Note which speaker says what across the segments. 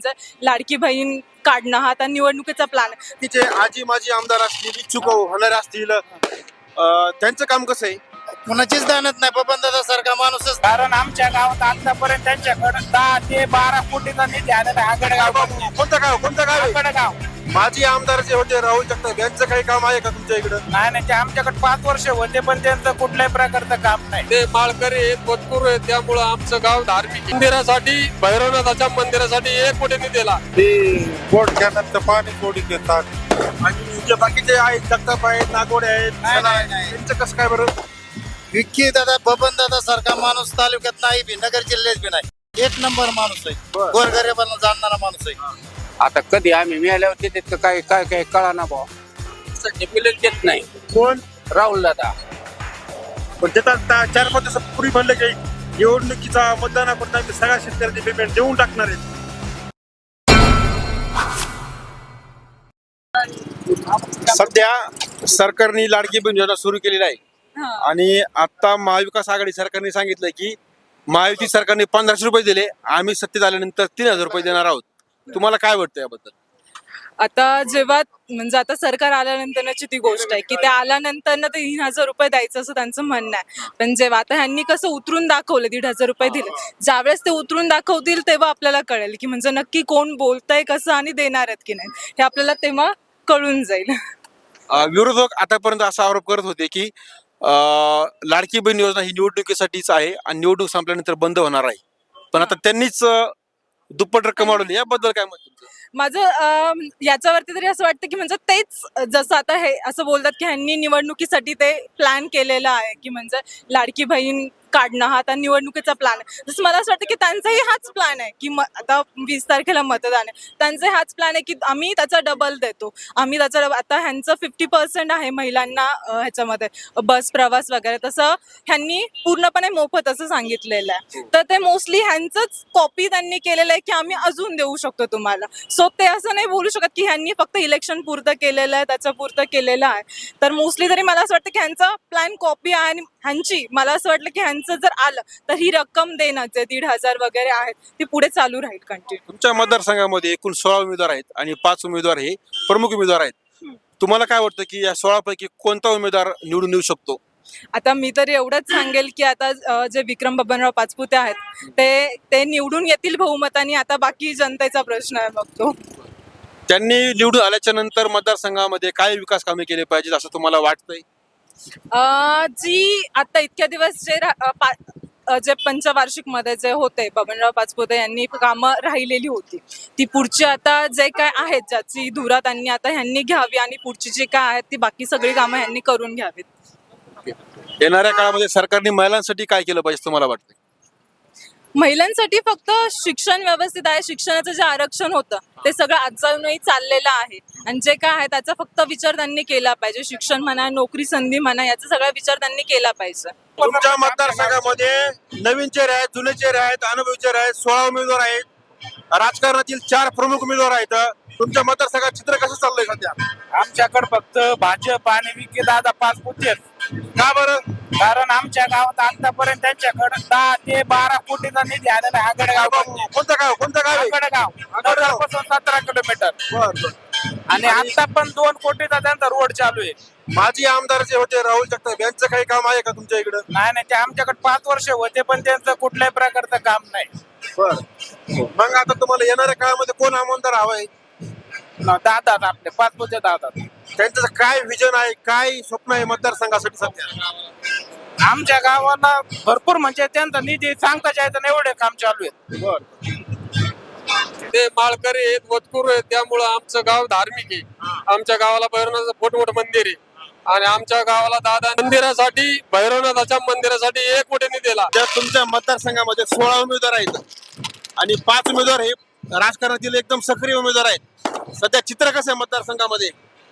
Speaker 1: म्हणजे लाडकी बहीण काढणं हा आता निवडणुकीचा प्लॅन आहे.
Speaker 2: तिचे आजी माजी आमदार असतील, इच्छुक होणारे असतील, त्यांचं काम कसं आहे?
Speaker 3: कुणाचीच दानत नाही, बबनदादा सारखा माणूसच.
Speaker 4: कारण आमच्या गावात आतापर्यंत त्यांच्याकडे 10 ते 12 कोटीचा निधी आलेला आहे. आगडगाव
Speaker 2: कोणतं गाव आहे?
Speaker 4: आगडगाव
Speaker 2: माजी आमदार जे होते राहुल जगताप यांचं काही काम आहे का तुमच्या इकडं?
Speaker 4: नाही ते आमच्याकडे 5 वर्ष होते, पण त्यांचं कुठल्याही प्रकारचं काम नाही.
Speaker 5: ते माळकरी आहेत, पतपूर आहेत, त्यामुळं आमचं गाव धार्मिक आहे. मंदिरासाठी, भैरवनाथाच्या मंदिरासाठी 1 कोटी दिला.
Speaker 6: ते बोट कॅनलचं पाणी सोडी देतात.
Speaker 2: आणि जे बाकीचे आहेत, जगताप आहेत, नागोडे आहेत, त्यांचं कसं काय बरं?
Speaker 3: विक्की दादा बबनदादा सारखा माणूस तालुक्यात नाही बी, नगर जिल्ह्यात बी नाही. 1 नंबर माणूस आहे, गोरगरिबांना जाणणारा माणूस आहे.
Speaker 7: आता कधी आम्ही मिळाल्यावर देतात काय काय काय कळा ना भाऊ, मिळेल देत नाही.
Speaker 2: कोण?
Speaker 7: राहुल दादा.
Speaker 2: पण देतात 4-5 दिवसापूर्वी म्हणलं की निवडणुकीचा मतदानापर्यंत आम्ही सगळ्या शेतकऱ्यांचे पेमेंट देऊन टाकणार आहेत. सध्या सरकारने लाडकी बहीण योजना सुरू केलेली आहे आणि आता महाविकास आघाडी सरकारने सांगितलं की महायुती सरकारने 1500 रुपये दिले, आम्ही सत्तेत आल्यानंतर 3000 रुपये देणार आहोत. तुम्हाला काय वाटतं याबद्दल?
Speaker 1: आता जेव्हा म्हणजे आता सरकार आल्यानंतरची ती गोष्ट आहे की ते आल्यानंतर ना ते 3,000 रुपये द्यायचं असं त्यांचं म्हणणं आहे. पण जेव्हा आता ह्यांनी कसं उतरून दाखवलं 1,500 रुपये दिले, ज्यावेळेस ते उतरून दाखवतील तेव्हा आपल्याला कळेल की म्हणजे नक्की कोण बोलतंय कसं आणि देणार आहेत की नाही हे आपल्याला तेव्हा कळून जाईल.
Speaker 2: विरोधक आतापर्यंत असा आरोप करत होते की लाडकी बहीण योजना ही निवडणुकीसाठीच आहे आणि निवडणूक संपल्यानंतर बंद होणार आहे, पण आता त्यांनीच दुप्पट रक्कम वाढवली. याबद्दल काय मत तुमचं?
Speaker 1: माझं याच्यावरती तरी असं वाटतं की म्हणजे तेच जसं आता हे असं बोलतात की ह्यांनी निवडणुकीसाठी ते प्लॅन केलेलं आहे की म्हणजे लाडकी बहीण काढणं हा आता निवडणुकीचा प्लॅन आहे. जसं मला असं वाटतं की त्यांचाही हाच प्लॅन आहे की आता 20 तारखेला मतदान आहे, त्यांचा हाच प्लॅन आहे की आम्ही त्याचा डबल देतो. आम्ही त्याचा आता ह्यांचं 50% आहे महिलांना ह्याच्यामध्ये बस प्रवास वगैरे, तसं ह्यांनी पूर्णपणे मोफत असं सांगितलेलं आहे. तर ते मोस्टली ह्यांचंच कॉपी त्यांनी केलेलं आहे की आम्ही अजून देऊ शकतो तुम्हाला. सो ते असं नाही बोलू शकत की ह्यांनी फक्त इलेक्शन पुरतं केलेलं आहे, त्याच्या पुरतं केलेलं आहे. तर मोस्टली तरी मला असं वाटतं की ह्यांचा प्लॅन कॉपी आहे आणि ह्यांची मला असं वाटलं की ह्यांचं जर आलं तर ही रक्कम देणं जे 1,500 वगैरे आहेत ती पुढे चालू राहील कंटिन्यू.
Speaker 2: तुमच्या मतदारसंघामध्ये एकूण 16 उमेदवार आहेत आणि 5 उमेदवार हे प्रमुख उमेदवार आहेत. तुम्हाला काय वाटतं की या 16 पैकी कोणता उमेदवार निवडून येऊ शकतो?
Speaker 1: आता मी तरी एवढंच सांगेल की आता जे विक्रम बबनराव पाचपुते आहेत ते निवडून येतील बहुमताने. आता बाकी जनतेचा प्रश्न आहे मग तो.
Speaker 2: त्यांनी निवडून आल्याच्या नंतर मतदारसंघामध्ये काय विकास कामे केली पाहिजेत असं तुम्हाला वाटतंय?
Speaker 1: जी आता इतक्या दिवस जे पंचवार्षिक मध्ये जे होते बबनराव पाचपुते यांनी कामं राहिलेली होती ती पुढची आता जे काय आहेत ज्याची धुरा त्यांनी आता ह्यांनी घ्यावी आणि पुढची जी काय आहेत ती बाकी सगळी कामं ह्यांनी करून घ्यावीत.
Speaker 2: येणाऱ्या काळामध्ये सरकारने महिलांसाठी काय केलं पाहिजे तुम्हाला वाटतं?
Speaker 1: महिलांसाठी फक्त शिक्षण व्यवस्थित आहे. शिक्षणाचं जे आरक्षण होतं ते सगळं अजूनही चाललेलं आहे आणि जे काय आहे त्याचा फक्त विचार त्यांनी केला पाहिजे. शिक्षण म्हणा, नोकरी संधी म्हणा, याचा सगळा विचार त्यांनी केला पाहिजे.
Speaker 2: तुमच्या मतदारसंघामध्ये नवीन चेहरे आहेत, जुने चेहरे आहेत, अनुभवी चेहरे आहेत, 16 उमेदवार आहेत, राजकारणातील 4 प्रमुख उमेदवार आहेत. तुमच्या मतदारसंघात चित्र कसं चाललंय सध्या?
Speaker 4: आमच्याकडे फक्त भाजप आणि विकी दादा पाचपुते.
Speaker 2: का बरं?
Speaker 4: कारण आमच्या गावात आतापर्यंत त्यांच्याकडे 10 ते 12 कोटीचा निधी आलेला आहे. आगडगाव
Speaker 2: कोणतं गाव आहे?
Speaker 4: आगडगाव पासून 17 किलोमीटर आणि आता पण 2 कोटीचा त्यांचा रोड चालू आहे.
Speaker 2: माजी आमदार जे होते राहुल जगताप यांचं काही काम आहे का तुमच्या इकडं?
Speaker 4: नाही ते आमच्याकडे 5 वर्ष होते, पण त्यांचं कुठल्याही प्रकारचं काम नाही.
Speaker 2: मग आता तुम्हाला येणाऱ्या काळामध्ये कोण आमदार हवाय?
Speaker 4: दादा आपले पाचपुते दादा.
Speaker 2: त्यांचं काय विजन आहे, काय स्वप्न आहे मतदारसंघासाठी सध्या?
Speaker 4: आमच्या गावाला भरपूर म्हणजे त्यांचा निधी सांगता जायचं नाही एवढे काम चालू आहे.
Speaker 5: ते माळकरी आहेत, पतपूर आहेत, त्यामुळं आमचं गाव धार्मिक आहे. आमच्या गावाला भैरवनाथाचं मोठं मंदिर आहे आणि आमच्या गावाला दादा मंदिरासाठी, भैरवनाथाच्या मंदिरासाठी 1 कोटी दिला.
Speaker 2: तुमच्या मतदारसंघामध्ये 16 उमेदवार आहेत आणि 5 उमेदवार हे राजकारणातील एकदम सक्रिय उमेदवार आहेत. सध्या चित्र कसं आहे मतदारसंघामध्ये?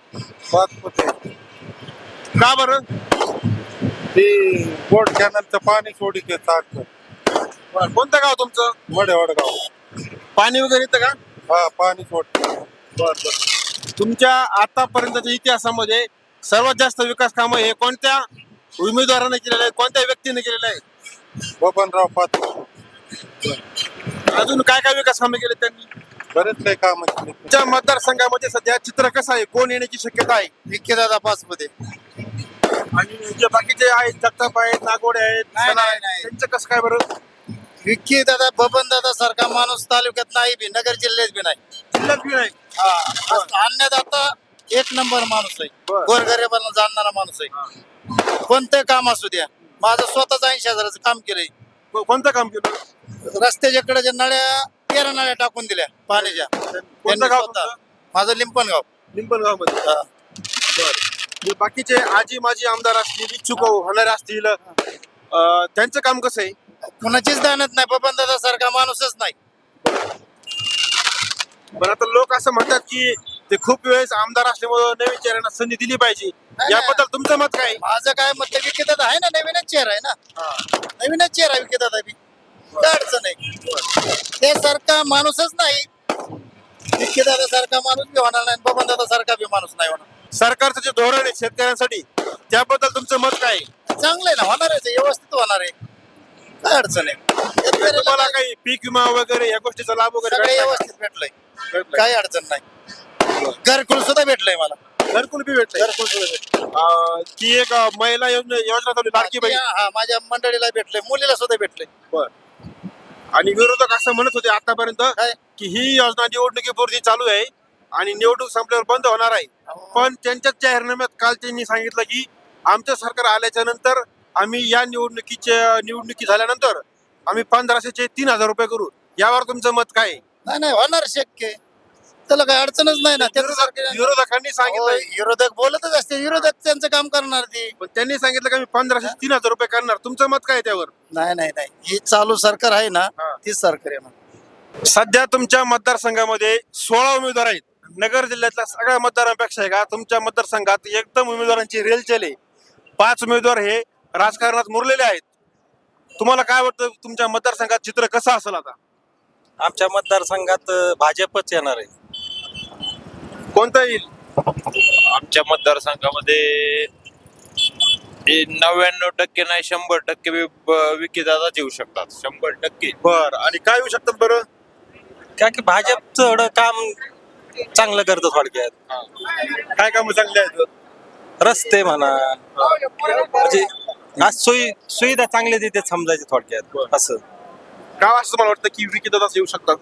Speaker 2: का बरं?
Speaker 6: ते बोट कॅनलचं पाणी सोडी देतात.
Speaker 2: कोणतं गाव तुमचं?
Speaker 6: वडगाव.
Speaker 2: पाणी वगैरे येतं का?
Speaker 6: हा, पाणी सोडतात.
Speaker 2: तुमच्या आतापर्यंतच्या इतिहासामध्ये सर्वात जास्त विकास कामं हे कोणत्या उमेदवाराने केलेलं आहे, कोणत्या व्यक्तीने केलेलं आहे?
Speaker 6: बबनराव पाचपुते.
Speaker 2: अजून काय काय विकास कामे केले त्यांनी?
Speaker 6: बरेच काही काम केले.
Speaker 2: तुमच्या मतदारसंघामध्ये सध्या चित्र कसं आहे, कोण येण्याची शक्यता आहे?
Speaker 3: विखे दादा पाच मध्ये.
Speaker 2: आणि जे बाकीचे आहेत, जगताप आहेत, नागोडे आहेत,
Speaker 3: नाही,
Speaker 2: सणा आहेत,
Speaker 3: नाही.
Speaker 2: त्यांचं कसं काय बरं?
Speaker 3: विखे दादा बबन दादा सारखा माणूस तालुक्यात नाही बी, नगर जिल्ह्यात बी नाही.
Speaker 2: जिल्ह्यात बी नाही.
Speaker 3: अन्नदाता एक नंबर माणूस आहे.
Speaker 2: बरं.
Speaker 3: गोरगरिबांना जाणणारा माणूस आहे. कोणतं काम असू द्या, माझं स्वतःच 80,000चं काम केलंय.
Speaker 2: कोणतं काम केलं?
Speaker 3: रस्त्याच्या कडे नळ्या 13 नळ्या टाकून दिल्या पाण्याच्या.
Speaker 2: कोणतं गाव
Speaker 3: स्वतः.
Speaker 2: तुमचं?
Speaker 3: माझं लिंपणगाव.
Speaker 2: लिंबनगाव मध्ये. जे बाकीचे आजी माजी आमदार असतील, इच्छुक होणारे असतील, त्यांचं काम कसं आहे?
Speaker 3: कुणाचीच दानत नाही. बबन दादा सारखा माणूसच नाही.
Speaker 2: पण आता लोक असं म्हणतात की ते खूप वेळेस आमदार असल्यामुळे नवीन चेहऱ्यांना संधी दिली पाहिजे.
Speaker 3: नाही.
Speaker 2: याबद्दल तुमचं मत काय आहे?
Speaker 3: माझं काय मत विखे दादा आहे ना, नवीनच चेहरा आहे ना. नवीनच चेहरा विखे दादा बी. काय अडचण आहे? ते सारखा माणूसच नाही. विखे दादा सारखा माणूस बी होणार नाही, बबन दादा सारखा बी माणूस नाही होणार.
Speaker 2: सरकारचं जे धोरण आहे शेतकऱ्यांसाठी, त्याबद्दल तुमचं मत काय आहे?
Speaker 3: चांगलं आहे ना, होणार आहे, व्यवस्थित होणार आहे. काय अडचण आहे? शेतकऱ्याला
Speaker 2: तुम्हाला काही पीक विमा वगैरे या गोष्टीचा लाभ वगैरे
Speaker 3: सगळं
Speaker 2: भेटला का?
Speaker 3: व्यवस्थित भेटलंय.
Speaker 2: भेटलाय.
Speaker 3: काही अडचण नाही. घरकुल सुद्धा भेटलंय मला.
Speaker 2: घरकुल बी भेटलंय.
Speaker 3: घरकुल सुद्धा भेटलंय.
Speaker 2: ती एक महिला योजना चालू लाडकी बहीण.
Speaker 3: हा, माझ्या मंडळीला भेटलंय, मुलीला सुद्धा भेटलंय.
Speaker 2: बर. आणि विरोधक असं म्हणत होते आतापर्यंत
Speaker 3: काय?
Speaker 2: की ही योजना निवडणुकीपुरती चालू आहे आणि निवडणूक संपल्यावर बंद होणार आहे. पण त्यांच्याच जाहीरनाम्यात काल त्यांनी सांगितलं की आमचं सरकार आल्याच्या नंतर आम्ही या निवडणुकी झाल्यानंतर आम्ही 1500चे 3000 रुपये करू. यावर तुमचं मत काय आहे?
Speaker 3: नाही नाही, होणार शक्य आहे. त्याला काही अडचणच नाही ना. त्याचं सरकार-
Speaker 2: विरोधकांनी सांगितलं,
Speaker 3: विरोधक बोलतच असते, विरोधक त्यांचं काम करणार ते.
Speaker 2: पण त्यांनी सांगितलं की आम्ही 1500 3000 रुपये करणार. तुमचं मत काय आहे त्यावर?
Speaker 3: नाही नाही नाही, ही चालू सरकार आहे ना,
Speaker 2: हा.
Speaker 3: तीच सरकार आहे ना.
Speaker 2: सध्या तुमच्या मतदारसंघामध्ये 16 उमेदवार आहेत. नगर जिल्ह्यातल्या सगळ्या मतदारांपेक्षा आहे का तुमच्या मतदारसंघात एकदम उमेदवारांची रेलचेल आहे. 5 उमेदवार हे राजकारणात मुरलेले आहेत. तुम्हाला काय वाटतं, तुमच्या मतदारसंघात चित्र कसं असेल आता?
Speaker 8: आमच्या मतदारसंघात भाजपच येणार आहे.
Speaker 2: कोणतं येईल?
Speaker 9: आमच्या मतदारसंघामध्ये 99% नाही 100% विकीदादाच येऊ शकतात. 100%.
Speaker 2: बर. आणि काय येऊ शकतात बरं?
Speaker 8: का की भाजपचं एवढं काम चांगलं करतं थोडक्यात.
Speaker 2: काय कामं चांगली आहेत?
Speaker 8: रस्ते म्हणा, म्हणजे आज सुविधा चांगल्या देते समजायचे थोडक्यात असं.
Speaker 2: काय असं तुम्हाला वाटतं की विकीदादाच येऊ शकतात?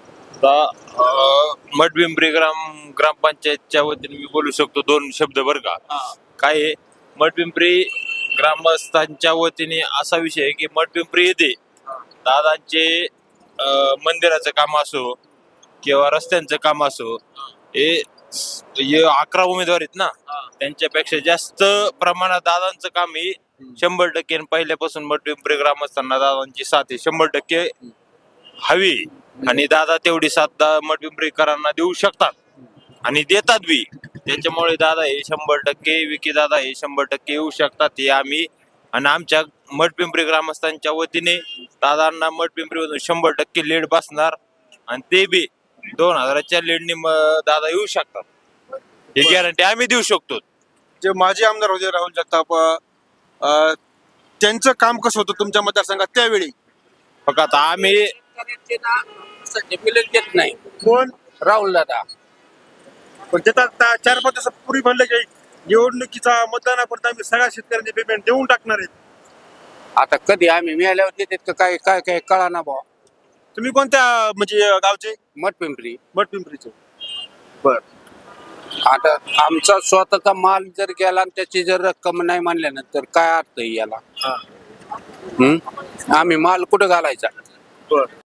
Speaker 9: मठपिंपरी ग्रामपंचायतच्या वतीने मी बोलू शकतो 2 शब्द बरं का. काय आहे, मठपिंपरी ग्रामस्थांच्या वतीने असा विषय आहे की मठपिंपरी येथे दादांचे मंदिराचं काम असो किंवा रस्त्यांचं काम असो, हे 11 उमेदवार आहेत ना, त्यांच्यापेक्षा जास्त प्रमाणात दादांचं काम हे 100% पहिल्यापासून मठपिंपरी ग्रामस्थांना दादांची साथ आहे 100% हवी. आणि दादा तेवढी साथ मठपिंपरीकरांना देऊ शकतात आणि देतात बी. त्याच्यामुळे दादा हे 100%, विकी दादा हे 100% येऊ शकतात. हे आम्ही आणि आमच्या मठपिंपरी ग्रामस्थांच्या वतीने दादांना मठपिंपरीमधून 100% लीड बसणार आणि ते बी 2000च्या लीडने दादा येऊ शकतात. ही गॅरंटी आम्ही देऊ शकतो.
Speaker 2: जे माजी आमदार होते राहुल जगताप, त्यांचं काम कसं होतं तुमच्या मतदारसंघात त्यावेळी?
Speaker 9: फक्त आता आम्ही
Speaker 7: मिळत देत नाही.
Speaker 2: कोण?
Speaker 7: राहुल दादा.
Speaker 2: पण त्यात 4-5 दिवसापूर्वी म्हणलं की निवडणुकीचा मतदानापर्यंत आम्ही सगळ्या शेतकऱ्यांचे पेमेंट देऊन टाकणार आहेत.
Speaker 7: आता कधी आम्ही मिळाल्यावर देतात का काय काय काय कळा ना भाऊ.
Speaker 2: तुम्ही कोणत्या म्हणजे गावचे?
Speaker 7: मठपिंपरी.
Speaker 2: मठपिंपरीचे. बर.
Speaker 7: आता आमचा स्वतःचा माल जर गेला आणि त्याची जर रक्कम नाही मानल्यानंतर काय अर्थ आहे याला? आम्ही माल कुठं घालायचा?
Speaker 2: बर.